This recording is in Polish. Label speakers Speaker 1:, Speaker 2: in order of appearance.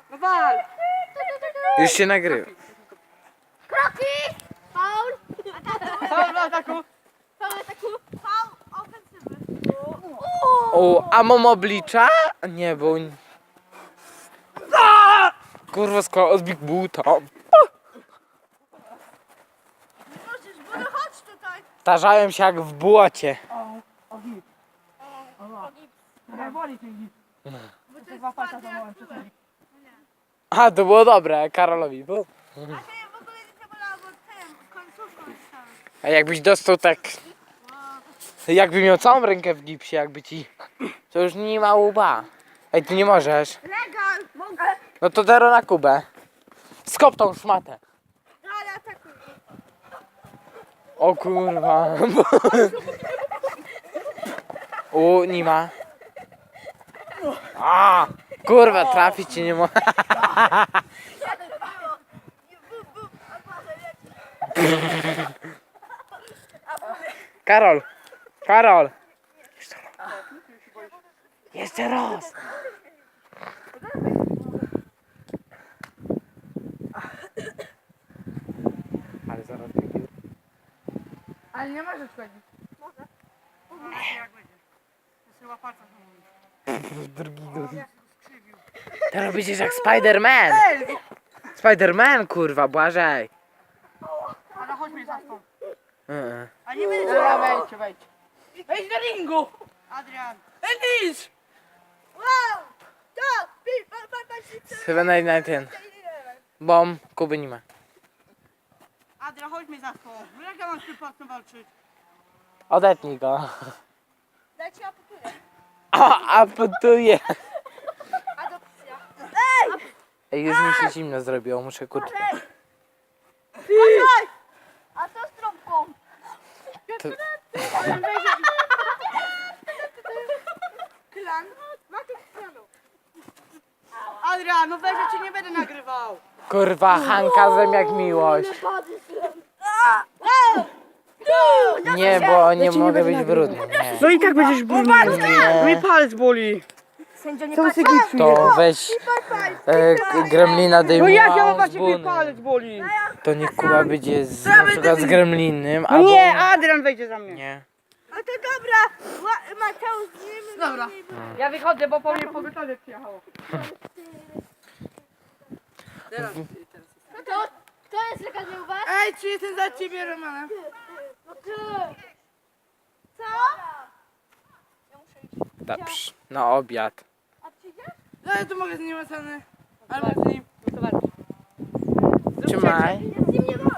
Speaker 1: No wal!
Speaker 2: Już się nagrywa.
Speaker 3: Kroki! Faul!
Speaker 1: Faul w ataku!
Speaker 3: Faul ataku! Faul ofensywy!
Speaker 2: O, a mam oblicza? Nie, bo... Kurwa, z Big Boota.
Speaker 3: Możesz, bo no chodź tutaj!
Speaker 2: Starzałem się jak w błocie.
Speaker 1: O gip. Boli ten gip.
Speaker 3: Bo to
Speaker 1: To
Speaker 3: jest
Speaker 1: dwa palca
Speaker 3: twardy jak
Speaker 1: złamałem
Speaker 3: kulek.
Speaker 1: przecież.
Speaker 2: A, to było dobre, Karolowi. Bo...
Speaker 3: A to ja w ogóle nie bolało, bo tym, końcówką jest tam.
Speaker 2: A jakbyś dostał tak... Jakby miał całą rękę w gipsie, jakby ci... To już nie ma łba. Ej, ty nie możesz.
Speaker 3: Legal! Mogę!
Speaker 2: No to dero na Kubę. Skop tą szmatę.
Speaker 3: Ale atakuj!
Speaker 2: O kurwa. U, nie ma. A, kurwa, trafić ci nie mogę. Karol. Karol. Jeszcze raz. Ale zaraz taki...
Speaker 1: Ale nie możesz chodzić. Może. Jak będzie. Chyba palca złamałem.
Speaker 2: Drugi. Teraz będziesz jak Spider-Man. Spider-Man, kurwa, Błażej.
Speaker 1: Ale chodź mnie za stąd.
Speaker 2: Uh-uh.
Speaker 1: A nie będę cię. Wejdź, wejdź. Wejdź do ringu! Adrian. Edis!
Speaker 3: Wow! Tak!
Speaker 2: Chyba na ten. Bom, Kuby nie ma.
Speaker 1: Adrian, chodź mnie za stąd. No jak ja mam z tym palcem walczyć?
Speaker 2: Odetnij go.
Speaker 3: Daj ci aputuję.
Speaker 2: A potuje.
Speaker 3: Adopcja.
Speaker 2: Ej, już mi się zimno zrobiło, muszę kurczę.
Speaker 3: Chodź! A co z trąbką?
Speaker 2: To...
Speaker 1: Klan? Adrian, no weź, ja cię nie będę nagrywał.
Speaker 2: Kurwa, Hanka jak miłość. Nie, bo nie mogę być brudny. Nie.
Speaker 1: No i tak będziesz brudny. Mój palec boli.
Speaker 3: Sędzia nie
Speaker 1: Co
Speaker 3: patrzy.
Speaker 1: ty gipsujesz?
Speaker 2: To weź gremlina
Speaker 1: No
Speaker 2: dejmuła
Speaker 1: jak ja mam
Speaker 2: z
Speaker 1: patrzeć, mój
Speaker 2: buny.
Speaker 1: palec boli.
Speaker 2: To niech Kuba będzie na przykład z gremlinem,
Speaker 1: No
Speaker 2: albo...
Speaker 1: nie, Adrian wejdzie za mnie.
Speaker 2: Nie.
Speaker 3: A to dobra. Mateusz, z nim.
Speaker 1: Dobra. Ja wychodzę, bo po mnie pogotowie przyjechało. Teraz.
Speaker 3: Kto jest lekarz u was?
Speaker 1: Ej, czy jestem za ciebie, Romanem?
Speaker 3: No ty. Co? Ja muszę iść.
Speaker 2: Dobrze, na obiad.
Speaker 3: A przyjdziesz?
Speaker 1: No ja tu mogę z nim ocenę. Albo z nim.
Speaker 2: Trzymaj.
Speaker 3: Z nim nie ma.